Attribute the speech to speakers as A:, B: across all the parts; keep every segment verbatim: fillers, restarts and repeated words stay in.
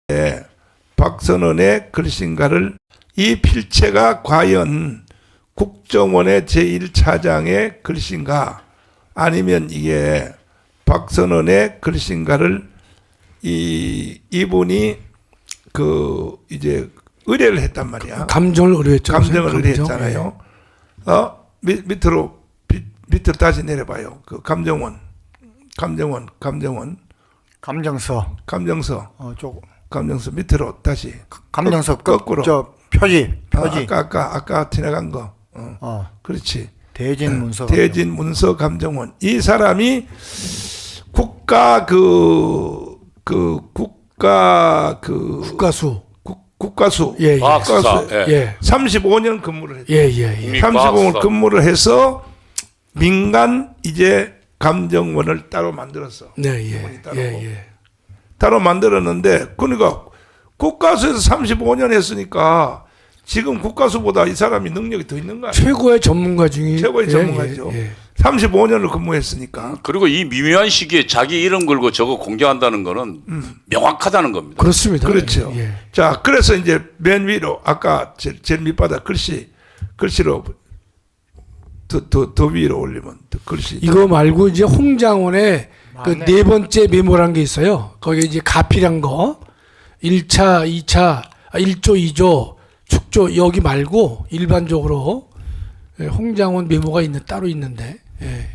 A: 박선원의 글씨인가를 이 필체가 과연 국정원의 제일 차장의 글씨인가 아니면 이게 박선원의 글씨인가를 이 이분이 그 이제 의뢰를 했단 말이야.
B: 감정을 의뢰했죠.
A: 감정을
B: 감정.
A: 의뢰했잖아요. 어 밑, 밑으로 밑, 밑으로 다시 내려봐요. 그 감정원, 감정원, 감정원,
C: 감정서.
A: 감정서,
C: 어, 쪽.
A: 감정서 밑으로 다시
C: 감정서
A: 거, 거꾸로.
C: 저 표지. 표지.
A: 아, 아까 아까 아까 지나간 거. 어,
C: 어.
A: 그렇지.
C: 대진 문서.
A: 대진 문서 감정원. 이 사람이 국가 그, 그 국가 그
B: 국가수.
A: 국, 국가수.
B: 예, 예.
D: 과학수사. 예.
B: 예.
A: 삼십오 년 근무를 했죠.
B: 예, 예, 예.
A: 삼십오 년
D: 과학수사.
A: 근무를 해서 민간 이제 감정원을 따로 만들었어.
B: 네, 예.
A: 이분이 따로.
B: 예, 예.
A: 따로 만들었는데 그러니까 국가수에서 삼십오 년 했으니까 지금 국가수보다 이 사람이 능력이 더 있는 거 아니에요?
B: 최고의 전문가 중에
A: 최고의
B: 예,
A: 전문가죠.
B: 예, 예.
A: 삼십오 년을 근무했으니까.
D: 그리고 이 미묘한 시기에 자기 이름 걸고 저거 공개한다는 거는 명확하다는 겁니다.
B: 그렇습니다.
A: 그렇죠.
B: 예.
A: 자, 그래서 이제 맨 위로 아까 제일, 제일 밑바닥 글씨 글씨로 더, 더, 더 위로 올리면 더 글씨.
B: 이거 말고 이제 홍장원의 그
C: 맞네.
B: 네 번째 메모란 게 있어요. 거기에 이제 가필한 거 일 차, 이 차, 아, 일 조, 이 조, 축조 여기 말고 일반적으로 예, 홍장원 메모가 있는 따로 있는데 예.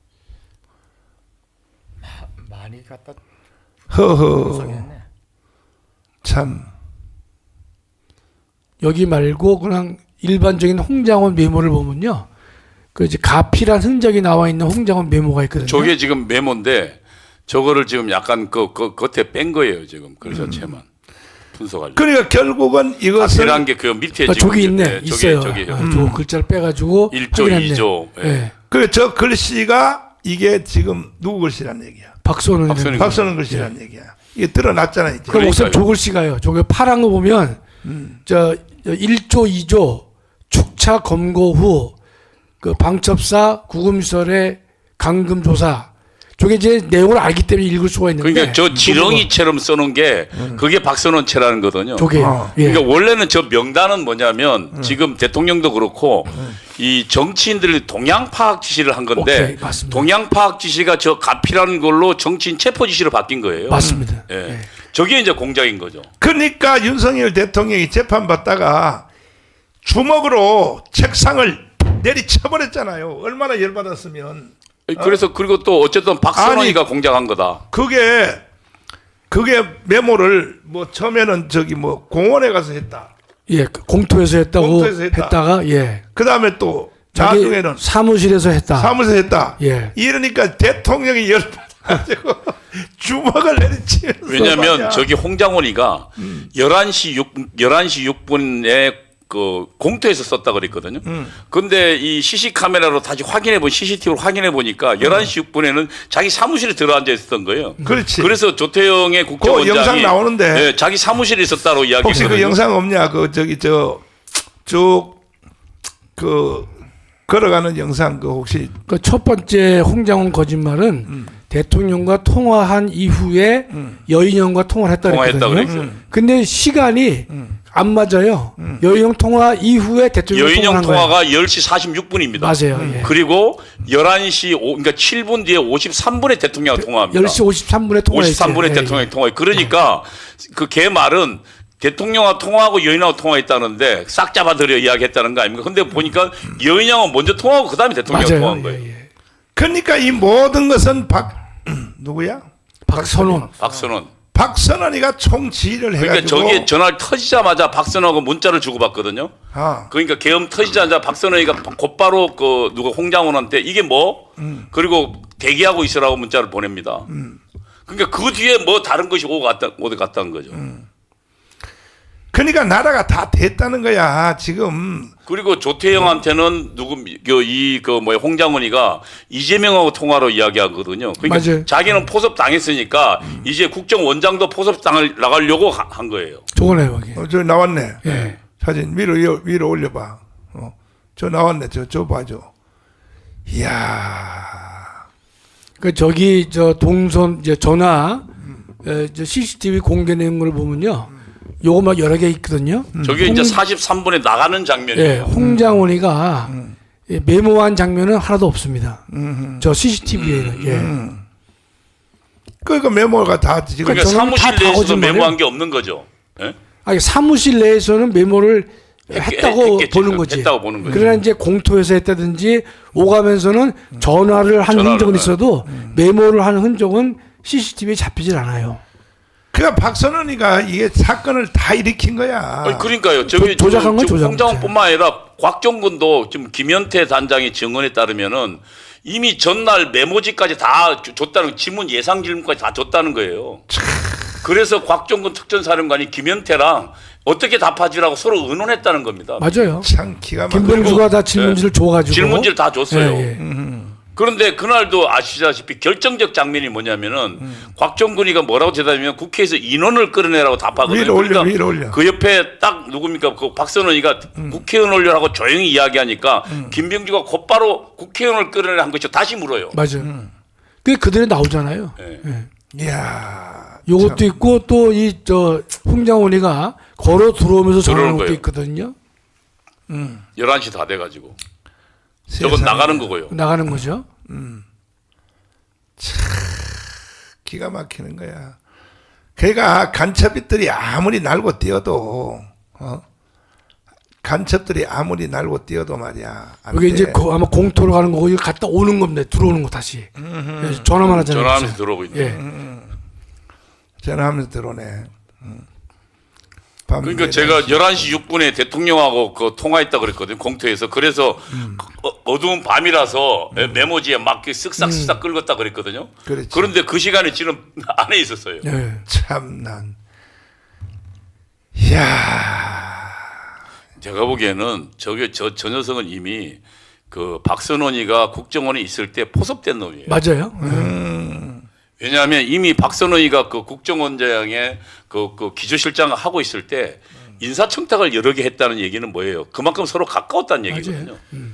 C: 많이 갖다
A: 허허.
C: 분석했네.
A: 참.
B: 여기 말고 그냥 일반적인 홍장원 메모를 보면요. 그 이제 가필한 흔적이 나와 있는 홍장원 메모가 있거든요.
D: 저게 지금 메모인데 저거를 지금 약간 그, 그 겉에 뺀 거예요 지금 글 자체만 분석하려고.
A: 그러니까 결국은 이것은
D: 가필한 게 그 밑에
B: 아,
D: 지금
B: 저기 있네.
D: 예,
B: 있어요.
D: 저기 저기
B: 아, 저 글자를 빼가지고
D: 일 조,
B: 확인했네.
D: 이 조. 예.
B: 예.
A: 그 저 글씨가 이게 지금 누구 글씨란 얘기야?
B: 박선원.
D: 박선원.
A: 박선원 글씨란 얘기야. 이게 드러났잖아 이제.
B: 그럼 우선
D: 그러니까요.
B: 저 글씨가요. 저기 파란 거 보면 저 일 조, 이 조 축차 검거 후 그 방첩사 구금시설의 감금 조사. 저게 이제 내용을 알기 때문에 읽을 수가 있는데.
D: 그러니까 저 지렁이처럼 써놓은 게 그게 박선원체라는 거거든요.
B: 저게.
A: 어.
B: 예.
D: 그러니까 원래는 저 명단은 뭐냐면 지금 대통령도 그렇고 이 정치인들이 동향 파악 지시를 한 건데
B: 오케이, 맞습니다.
D: 동향 파악 지시가 저 가필하는 걸로 정치인 체포 지시로 바뀐 거예요.
B: 맞습니다.
D: 예.
B: 예.
D: 저게 이제 공작인 거죠.
A: 그러니까 윤석열 대통령이 재판 받다가 주먹으로 책상을 내리쳐버렸잖아요. 얼마나 열받았으면.
D: 그래서 그리고 또 어쨌든 박선원이가 공작한 거다.
A: 그게 그게 메모를 뭐 처음에는 저기 뭐 공원에 가서 했다.
B: 예, 그 공토에서 했다고
A: 공토에서 했다.
B: 했다가 예.
A: 그 다음에 또
B: 자기
A: 나중에는
B: 사무실에서 했다.
A: 사무소에 했다.
B: 예.
A: 이러니까 대통령이 열받아가지고 주먹을 내리치면서
D: 왜냐하면
A: 말이야.
D: 저기 홍장원이가
A: 음.
D: 열한 시 육, 열한 시 육 분에 그 공터에서 썼다 그랬거든요.
A: 음.
D: 근데 이 씨씨 카메라로 다시 확인해 본 씨씨티비로 확인해 보니까 열한 시 육 분에는 자기 사무실에 들어앉아 있었던 거예요.
A: 그렇지.
D: 그래서 조태영의
A: 그
D: 국정원장이
A: 영상 나오는데
D: 예, 자기 사무실에 있었다고
A: 혹시
D: 이야기했거든요.
A: 그 영상 없냐? 그 저기 저 쭉 그 걸어가는 영상 그 혹시
B: 그 첫 번째 홍장원 거짓말은
A: 음.
B: 대통령과 통화한 이후에 여인형과 통화를 했다
D: 통화했다
B: 그랬거든요.
D: 그랬어요.
B: 근데 시간이 안 맞아요. 여인형 통화 이후에 대통령
D: 여인형
B: 통화한 거예요.
D: 통화가 열 시 사십육 분입니다.
B: 맞아요. 예.
D: 그리고 열한 시 오, 그러니까 칠 분 뒤에 오십삼 분에 대통령과 통화합니다.
B: 열 시 오십삼 분에 통화했어요.
D: 오십삼 분에
B: 예,
D: 대통령이 통화해. 그러니까 그 걔 말은 대통령과 통화하고 여인하고 통화했다는데 싹 잡아들여 이야기했다는 거 아닙니까? 근데 보니까 여인하고 먼저 통화하고 그다음에
B: 예.
D: 대통령과
B: 맞아요.
D: 통화한
B: 예,
D: 거예요.
B: 예.
A: 그러니까 이 모든 것은 박 누구야?
B: 박선원.
D: 박선원.
A: 박선원이가 총지휘를
D: 그러니까
A: 해가지고
D: 저게 전화를 터지자마자 박선원하고 문자를 주고받거든요.
A: 아,
D: 그러니까 계엄 터지자마자 박선원이가 곧바로 그 누가 홍장원한테 이게 뭐?
A: 음.
D: 그리고 대기하고 있으라고 문자를 보냅니다. 그러니까 그 뒤에 뭐 다른 것이 오고 갔다 오고 갔다는 거죠.
A: 음. 그러니까 나라가 다 됐다는 거야 지금.
D: 그리고 조태영한테는 누구 이그 뭐야 홍장원이가 이재명하고 통화로 이야기하거든요. 그러니까
B: 맞아요.
D: 자기는 포섭 당했으니까 이제 국정원장도 포섭 당을 나가려고 하- 한 거예요.
B: 저거네요. 여기.
A: 어, 저 나왔네.
B: 예.
A: 사진 위로 위로, 위로 올려봐. 어, 저 나왔네. 저 저 봐줘. 이야.
B: 그 저기 저 동선 이제 전화 에, 저 씨씨티비 공개 내용을 보면요, 요거 막 여러 개 있거든요.
D: 저게 이제
B: 홍-
D: 사십삼 분에 나가는
B: 예,
D: 장면이에요.
B: 홍장원이가 예, 메모한 장면은 하나도 없습니다. 저 씨씨티비에는. 예.
A: 그러니까 메모가 다 지금
D: 그러니까
B: 저는
D: 사무실
B: 다
D: 내에서도
B: 거짓말이에요.
D: 메모한 게 없는 거죠. 예?
B: 아니, 사무실 내에서는 메모를
D: 했-
B: 했다고
D: 했겠지,
B: 보는
D: 그럼.
B: 거지.
D: 했다고 보는 거지.
B: 그러나 이제 공토에서 했다든지 오가면서는 전화를 한
D: 전화를
B: 흔적은
D: 해요.
B: 있어도 메모를 한 흔적은 씨씨티비에 잡히질 않아요.
A: 그러니까 박선원이가 이게 사건을 다 일으킨 거야.
D: 아니, 그러니까요. 저기
B: 조- 조작한 건
D: 지금
B: 조작.
D: 홍장원뿐만 아니라 곽종근도 지금 김현태 단장의 증언에 따르면은 이미 전날 메모지까지 다 주- 줬다는 지문 예상 질문까지 다 줬다는 거예요. 그래서 곽종근 특전사령관이 김현태랑 어떻게 답하지라고 서로 의논했다는 겁니다.
B: 맞아요.
A: 참 기가 막혀.
B: 김병주가 다 질문지를 줘가지고
D: 질문지를 다 줬어요.
B: 예, 예.
D: 그런데 그날도 아시다시피 결정적 장면이 뭐냐면은 곽정근이가 뭐라고 대답하면 국회에서 인원을 끌어내라고 답하거든요.
A: 위로 올려,
D: 그러니까
A: 위로 올려.
D: 그 옆에 딱 누굽니까? 그 박선원이가 국회의원 올려라고 조용히 이야기하니까 김병주가 곧바로 국회의원을 끌어내라 한 것이죠. 다시 물어요.
B: 맞아요. 그게 그대로 나오잖아요.
D: 예.
B: 예.
A: 이야.
B: 요것도 있고 또 이 저 홍장원이가 걸어 들어오면서 전화하는
D: 들어오는
B: 것도
D: 거예요.
B: 있거든요.
D: 열한 시 다 돼가지고. 저건
A: 세상에.
D: 나가는 거고요.
B: 나가는 거죠.
A: 기가 막히는 거야. 걔가 간첩들이 아무리 날고 뛰어도 어? 간첩들이 아무리 날고 뛰어도 말이야. 안
B: 이게
A: 돼.
B: 이제 거- 아마 공토로 가는 거고 이거 갔다 오는 겁니다. 들어오는 거 다시. 예, 전화만 하잖아요.
D: 전화하면서 들어오고 있는.
B: 예.
A: 전화하면서 들어오네. 음. 밤
D: 그러니까
A: 내내.
D: 제가 열한 시 육 분에 대통령하고 그 통화했다 그랬거든요. 공터에서. 그래서 어, 어두운 밤이라서 메모지에 막 쓱싹쓱싹 긁었다 그랬거든요.
A: 그렇지.
D: 그런데 그 시간에 지금 안에 있었어요.
B: 예.
A: 참난. 이야.
D: 제가 보기에는 저게 저, 저 녀석은 이미 그 박선원이가 국정원에 있을 때 포섭된 놈이에요.
B: 맞아요. 예.
A: 음.
D: 왜냐하면 이미 박선원이가 그 국정원장의 그, 그 기조실장을 하고 있을 때 인사청탁을 여러 개 했다는 얘기는 뭐예요? 그만큼 서로 가까웠다는 얘기거든요.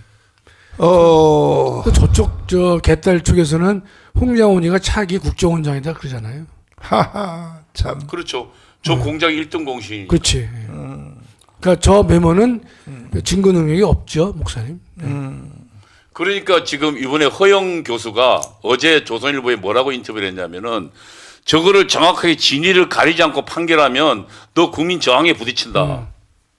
A: 어.
B: 또 저쪽 저 개딸 쪽에서는 홍장원이가 차기 국정원장이다 그러잖아요.
A: 하하. 참.
D: 그렇죠. 저 공장 일 등 공신이.
B: 그렇지. 그러니까 저 메모는 증거 능력이 없죠, 목사님.
D: 그러니까 지금 이번에 허영 교수가 어제 조선일보에 뭐라고 인터뷰를 했냐면은 저거를 정확하게 진위를 가리지 않고 판결하면 너 국민 저항에 부딪힌다.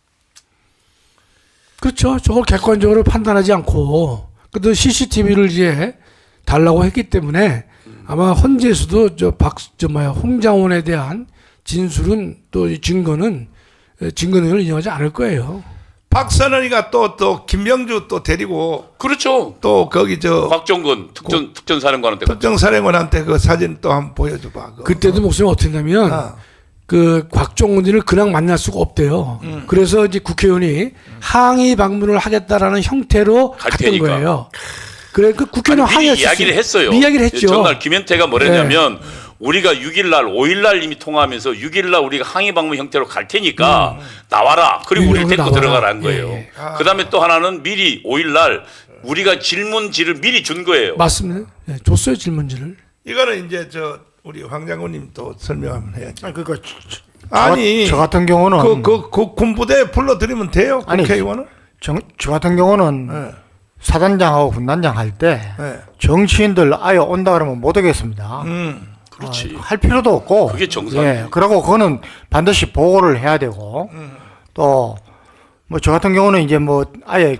B: 그렇죠. 저걸 객관적으로 판단하지 않고 그래도 씨씨티비를 이제 달라고 했기 때문에 아마 헌재에서도 저 박 저 뭐야 홍장원에 대한 진술은 또 이 증거는 에, 증거 능력을 인정하지 않을 거예요.
A: 박선원이가 또 또 김병주 또 데리고
D: 그렇죠.
A: 또 거기 저
D: 곽종근 특전 특전사령관한테
A: 특정사령관한테 그 사진 또 한번 보여줘봐. 그거.
B: 그때도 목사님 어떻게 했냐면
A: 아.
B: 그 곽종훈이를 그냥 만날 수가 없대요. 그래서 이제 국회의원이 항의 방문을 하겠다라는 형태로
D: 갈
B: 갔던
D: 테니까.
B: 거예요. 그래 그 국회의원
D: 아니, 미리
B: 항의했어요.
D: 이야기를 했어요.
B: 이야기를 했죠.
D: 전날 김현태가 뭐랬냐면 우리가 육 일 날, 오 일 날 이미 통화하면서 육 일 날 우리가 항의 방문 형태로 갈 테니까 나와라. 그리고 우리를 데리고
B: 나와라.
D: 들어가라는 거예요.
B: 예, 예.
D: 그 다음에 또 하나는 미리 오 일 날 우리가 질문지를 미리 준 거예요.
B: 맞습니다. 예, 줬어요 질문지를.
A: 이거는 이제 저 우리 황 장군님 또 설명 한번 해야지.
C: 아니 그러니까 저, 저,
A: 아니
C: 저, 저 같은 경우는
A: 그, 그, 그 군부대 불러들이면 돼요.
C: 아니,
A: 국회의원은.
C: 저, 저 같은 경우는
A: 네.
C: 사단장하고 군단장 할 때
A: 네.
C: 정치인들 아예 온다 그러면 못 오겠습니다.
A: 음.
D: 그렇지.
C: 아, 할 필요도 없고.
D: 그게 정상이에요.
C: 예, 그러고 그거는 반드시 보고를 해야 되고 또 뭐 저 같은 경우는 이제 뭐 아예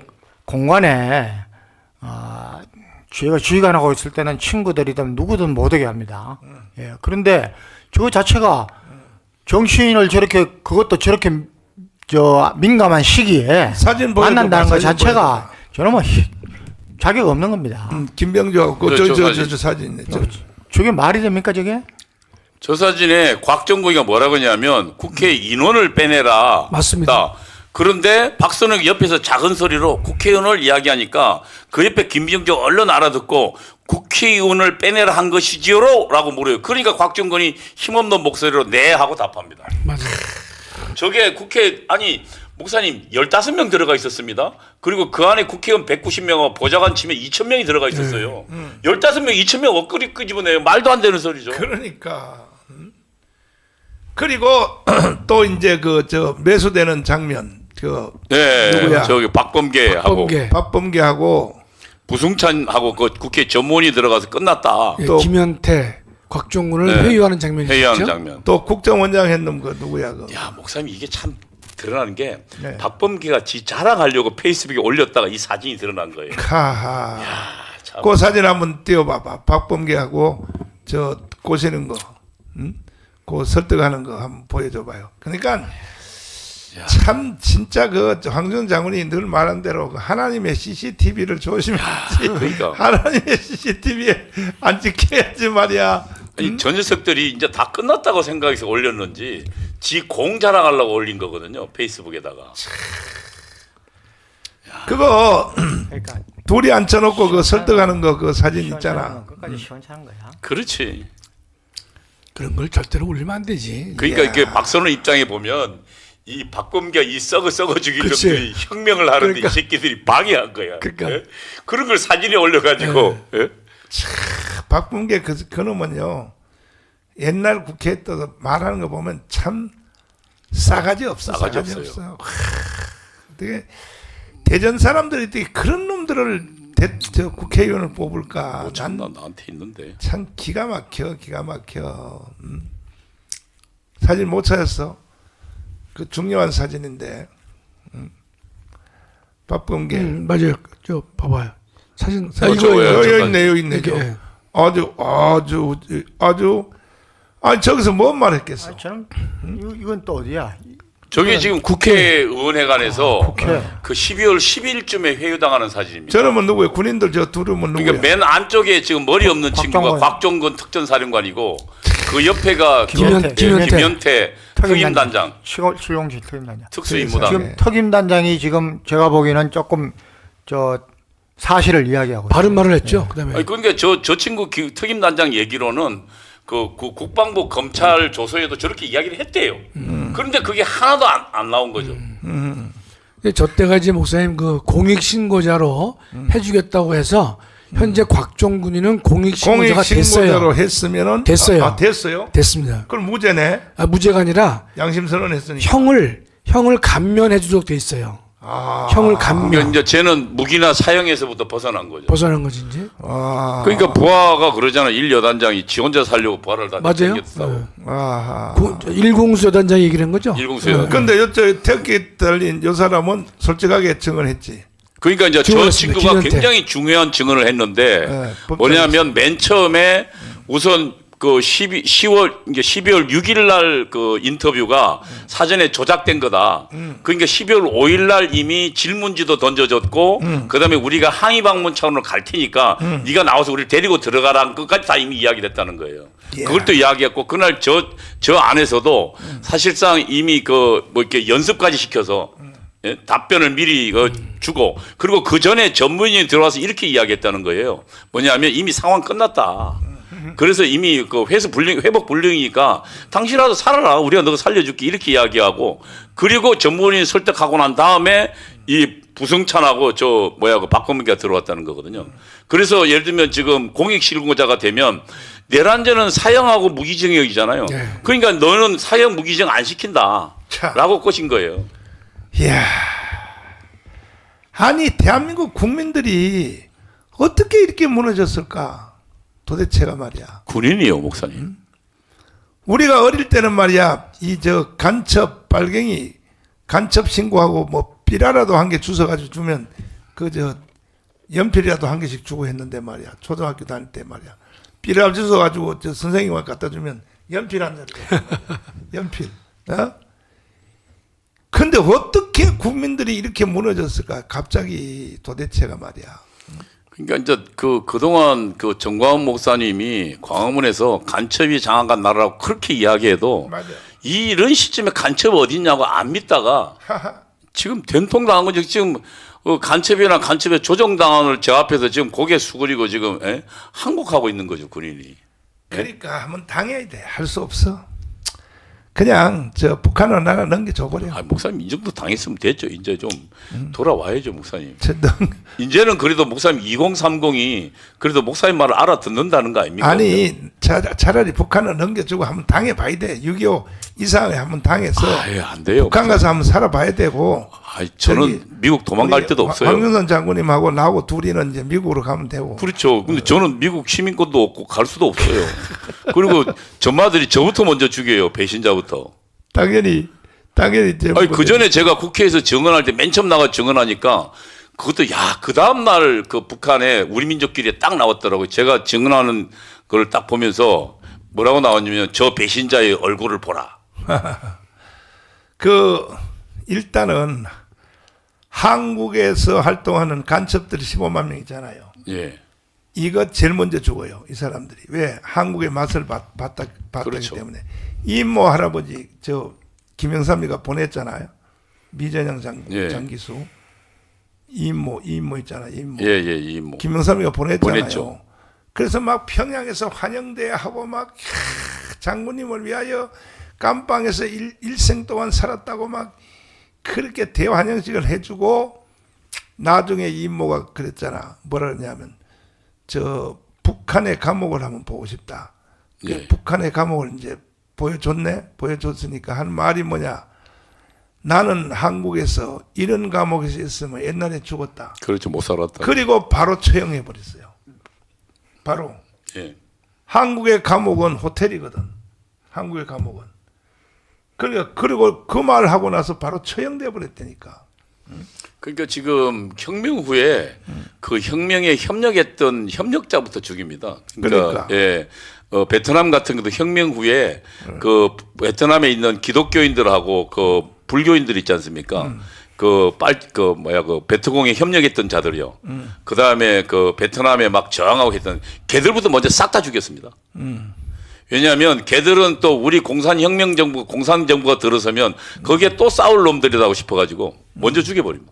C: 공간에 아 저희가 주의관하고 있을 때는 친구들이든 누구든 못 오게 합니다. 예, 그런데 저 자체가 정치인을 저렇게 그것도 저렇게 저 민감한 시기에
A: 사진 보여줘봐,
C: 만난다는 것
A: 사진
C: 자체가
A: 보여줘봐.
C: 저는 뭐 히- 자격 없는 겁니다.
A: 음, 김병주하고 그
D: 네,
A: 저,
D: 저
A: 저, 저,
D: 사진.
A: 저 사진. 저,
C: 저게 말이 됩니까 저게?
D: 저 사진에 곽정국이가 뭐라고 하냐면 국회 인원을 빼내라.
B: 맞습니다.
D: 그런데 박선영 옆에서 작은 소리로 국회의원을 이야기하니까 그 옆에 김병주 얼른 알아듣고 국회의원을 빼내라 한 것이지요? 라고 물어요. 그러니까 곽정근이 힘없는 목소리로 네 하고 답합니다.
B: 맞아요.
D: 저게 국회 아니 목사님 열다섯 명 들어가 있었습니다. 그리고 그 안에 국회의원 백구십 명하고 보좌관 치면 이천 명이 들어가 있었어요. 열다섯 명 이천 명 엇그리 끄집어내요. 말도 안 되는 소리죠.
A: 그러니까. 음? 그리고 또 이제 그 저 매수되는 장면 그
D: 네,
A: 누구야?
D: 저기 박범계하고
B: 박범계.
A: 박범계하고
D: 부승찬하고 그 국회 전문이 들어가서 끝났다.
B: 예,
A: 또-
B: 김현태, 곽종군을
D: 네.
B: 회유하는 장면이
D: 회의하는
B: 있죠.
D: 장면.
A: 또 국정원장 했는 그 누구야 그
D: 야, 목사님 이게 참 드러나는 게
A: 네.
D: 박범계가 지 자랑하려고 페이스북에 올렸다가 이 사진이 드러난 거예요.
A: 하하.
D: 참.
A: 그 사진 한번 띄워봐봐. 박범계하고 저 꼬시는 거, 응? 그 설득하는 거 한번 보여줘봐요. 그러니까 참 진짜 그 황준 장군이 늘 말한 대로 그 하나님의 씨씨티비를 조심해야지.
D: 그러니까.
A: 하나님의 씨씨티비에 안 찍혀야지 말이야.
D: 아니, 저 녀석들이 이제 다 끝났다고 생각해서 올렸는지 지 공 자랑하려고 올린 거거든요. 페이스북에다가.
A: 그거
C: 그러니까
A: 둘이 앉혀놓고 그 설득하는 거 그 사진 있잖아.
C: 시원찮은 건 끝까지 시원찮은 거야.
D: 그렇지.
B: 그런 걸 절대로 올리면 안 되지.
D: 그러니까 이게 박선호 입장에 보면 이 박범계가 이 썩어 썩어 죽인
B: 그치.
D: 놈들이 혁명을 하는데
B: 그러니까.
D: 이 새끼들이 방해한 거야.
B: 그러니까.
D: 예? 그런 걸 사진에 올려가지고 예?
A: 박범계 그 그놈은요 옛날 국회에 떠서 말하는 거 보면 참 싸가지 없어.
D: 싸가지
A: 싸가지,
D: 없어요.
A: 없어요. 하, 어떻게 대전 사람들이 어떻게 그런 놈들을 대, 저 국회의원을 뽑을까?
D: 뭐 참,
A: 난
D: 나, 나한테 있는데.
A: 참 기가 막혀, 기가 막혀. 음. 사진 못 찾았어. 그 중요한 사진인데. 음. 박범계.
B: 음, 맞아요. 저 봐봐요. 사진. 아,
D: 어,
B: 이거
D: 저거예요.
A: 여기
D: 잠깐.
A: 있네, 여기 있네.
B: 이렇게,
A: 저.
B: 예.
A: 아주, 아주, 아주. 아니 저기서 뭔 말했겠어?
C: 아, 저는 이- 이건 또 어디야?
D: 저게 지금 국회의원회관에서
C: 국회.
D: 그 십이월 십일쯤에 회유당하는 사진입니다.
A: 저놈은 누구예요? 군인들 저 둘은 누구야?
D: 그러니까 맨 안쪽에 지금 머리 없는 친구가
C: 곽정건.
D: 곽종건 특전사령관이고 그 옆에가
B: 김현-
D: 김현태,
B: 김현태.
D: 김현태 특임단장
C: 시골 출용실 특임단장.
D: 특수임무단.
C: 지금 특임단장이 지금 제가 보기에는 조금 저 사실을 이야기하고
B: 바른
C: 있어요.
B: 말을 했죠. 그다음에
D: 아니, 그러니까 저, 저 친구 기- 특임단장 얘기로는 그, 그 국방부 검찰 조서에도 저렇게 이야기를 했대요. 그런데 그게 하나도 안, 안 나온 거죠.
B: 근데 저 때가 이제 목사님 그 공익 신고자로 해주겠다고 해서 현재 곽종군이는 공익 신고자가
A: 공익 신고자로
B: 됐어요.
A: 했으면은
B: 됐어요.
A: 아, 아, 됐어요?
B: 됐습니다.
A: 그럼 무죄네.
B: 아, 무죄가 아니라
A: 양심 선언했으니까.
B: 형을 형을 감면해 주도록 돼 있어요.
A: 아,
B: 형을
D: 그러니까
B: 감면
D: 이제 쟤는 무기나 사형에서부터 벗어난 거죠.
B: 벗어난 거지 이제.
A: 아,
D: 그러니까 부하가 그러잖아. 일 여단장이 지 혼자 살려고 부하를 다
B: 맞아요.
D: 챙겼다고.
B: 네.
A: 아하.
B: 고- 일공수 여단장 얘기를 한 거죠.
D: 일공수 여단장.
A: 근데 여쭤 태극기 달린 요 사람은 솔직하게 증언했지.
D: 그러니까 이제 저
B: 증언했습니다.
D: 친구가
B: 김현태.
D: 굉장히 중요한 증언을 했는데
A: 네,
D: 뭐냐면 맨 처음에 우선 그 십이, 시월 이제 십이월 육일 날 그 인터뷰가 사전에 조작된 거다. 그러니까 십이월 오일 날 이미 질문지도 던져졌고 그다음에 우리가 항의 방문 차원으로 갈 테니까 네가 나와서 우리를 데리고 들어가라는 것까지 다 이미 이야기를 했다는 거예요. 그걸 또 이야기했고 그날 저 저 안에서도 사실상 이미 그 뭐 이렇게 연습까지 시켜서 예? 답변을 미리 그 주고 그리고 그 전에 전문인이 들어와서 이렇게 이야기했다는 거예요. 뭐냐면 이미 상황 끝났다. 그래서 이미 그 회수 불능 회복 불능이니까 당신이라도 살아라. 우리가 너 살려줄게 이렇게 이야기하고 그리고 전문인 설득하고 난 다음에 이 부승찬하고 저 뭐야 그 박범계가 들어왔다는 거거든요. 그래서 예를 들면 지금 공익 실무자가 되면 내란죄는 사형하고 무기징역이잖아요.
B: 네.
D: 그러니까 너는 사형 무기징역 안 시킨다라고 꼬신 거예요.
A: 이야. 아니 대한민국 국민들이 어떻게 이렇게 무너졌을까? 도대체가 말이야.
D: 군인이요, 목사님.
A: 우리가 어릴 때는 말이야 이 저 간첩 빨갱이 간첩 신고하고 뭐 삐라라도 한 개 주워가지고 주면 그 저 연필이라도 한 개씩 주고 했는데 말이야 초등학교 다닐 때 말이야 삐라 주워가지고 저 선생님한테 갖다 주면 연필 한 자리 연필 어? 근데 어떻게 국민들이 이렇게 무너졌을까 갑자기 도대체가 말이야.
D: 그러니까 이제 그 그동안 그 정광훈 목사님이 광화문에서 간첩이 장악한 나라라고 그렇게 이야기해도
A: 맞아.
D: 이 이런 시점에 간첩 어딨냐고 안 믿다가 지금 된통당한 거죠. 지금 어, 간첩이나 간첩의 조정당원을 저 앞에서 지금 고개 숙이고 지금 에? 항복하고 있는 거죠, 군인이.
A: 그러니까 한번 당해야 돼. 할 수 없어. 그냥 저 북한으로 나라 넘겨줘버려.
D: 아, 목사님 이 정도 당했으면 됐죠. 이제 좀 돌아와야죠, 목사님.
A: 저 넘-
D: 이제는 그래도 목사님 이공삼공이 그래도 목사님 말을 알아듣는다는 거 아닙니까?
A: 아니 차, 차라리 북한을 넘겨주고 한번 당해봐야 돼. 육이오 이상하게 한번 당해서
D: 아예 안 돼요.
A: 북한 가서 한번 살아봐야 되고.
D: 아, 저는
A: 저기
D: 미국 도망갈
A: 우리
D: 데도
A: 황-
D: 없어요.
A: 황윤선 장군님하고 나하고 둘이는 이제 미국으로 가면 되고.
D: 그렇죠. 근데 저는 미국 시민권도 없고 갈 수도 없어요. 그리고 전마들이 저부터 먼저 죽여요. 배신자부터.
A: 당연히 당연히 이제
D: 아니
A: 뭐
D: 그 전에 제가 국회에서 증언할 때 맨 처음 나가 증언하니까 그것도 야 그 다음 날 그 북한에 우리 민족끼리 딱 나왔더라고요. 제가 증언하는 걸 딱 보면서 뭐라고 나왔냐면 저 배신자의 얼굴을 보라.
A: 그 일단은 한국에서 활동하는 간첩들이 십오만 명이잖아요.
D: 예,
A: 이거 제일 먼저 죽어요. 이 사람들이. 왜? 한국의 맛을 봤, 봤다, 봤다기
D: 그렇죠.
A: 때문에. 이모 할아버지 저 김영삼이가 보냈잖아요. 미전영 장,
D: 예.
A: 장기수. 이모 이모 있잖아요. 이모.
D: 예, 예, 이 뭐.
A: 김영삼이가 보냈잖아요.
D: 보냈죠.
A: 그래서 막 평양에서 환영대 하고 막 캬, 장군님을 위하여 감방에서 일, 일생 동안 살았다고 막 그렇게 대환영식을 해주고 나중에 이모가 그랬잖아. 뭐라 그러냐면 저 북한의 감옥을 한번 보고 싶다. 그
D: 예.
A: 북한의 감옥을 이제 보여줬네. 보여줬으니까 한 말이 뭐냐. 나는 한국에서 이런 감옥에서 있으면 옛날에 죽었다.
D: 그렇죠. 못 살았다.
A: 그리고 바로 처형해 버렸어요. 바로
D: 예.
A: 한국의 감옥은 호텔이거든. 한국의 감옥은. 그러니까 그리고 그 말을 하고 나서 바로 처형돼 버렸다니까.
D: 그러니까 지금 혁명 후에 그 혁명에 협력했던 협력자부터 죽입니다. 그러니까,
A: 그러니까.
D: 예. 어, 베트남 같은 것도 혁명 후에 그 베트남에 있는 기독교인들하고 그 불교인들 있지 않습니까? 그 빨 그 뭐야 그 베트공에 협력했던 자들이요. 그 다음에 그 베트남에 막 저항하고 했던 걔들부터 먼저 싹 다 죽였습니다. 왜냐하면 걔들은 또 우리 공산혁명 정부, 공산정부가 들어서면 거기에 또 싸울 놈들이라고 싶어가지고 먼저 죽여버립니다.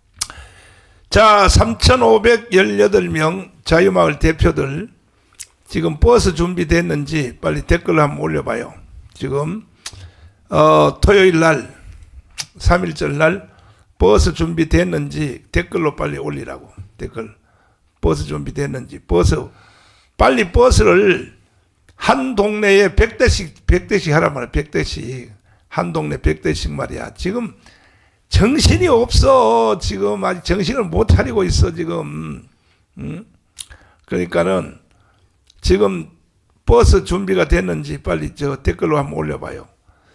A: 자, 삼천오백십팔 명 자유마을 대표들 지금 버스 준비됐는지 빨리 댓글 한번 올려봐요. 지금 어, 토요일 날 삼일절 날 버스 준비됐는지 댓글로 빨리 올리라고. 댓글 버스 준비됐는지 버스 빨리 버스를 한 동네에 백 대씩 백 대씩 하란 말이야. 백 대씩 한 동네 백 대씩 말이야. 지금 정신이 없어. 지금 아직 정신을 못 차리고 있어 지금. 음? 그러니까는 지금 버스 준비가 됐는지 빨리 저 댓글로 한번 올려봐요.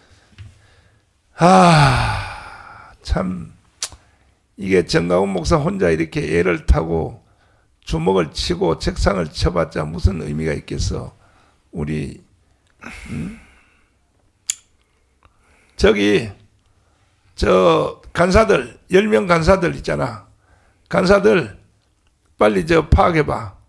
A: 아, 참 이게 정가훈 목사 혼자 이렇게 애를 타고 주먹을 치고 책상을 쳐봤자 무슨 의미가 있겠어. 우리 음? 저기 저 간사들 열 명 간사들 있잖아. 간사들 빨리 저 파악해봐.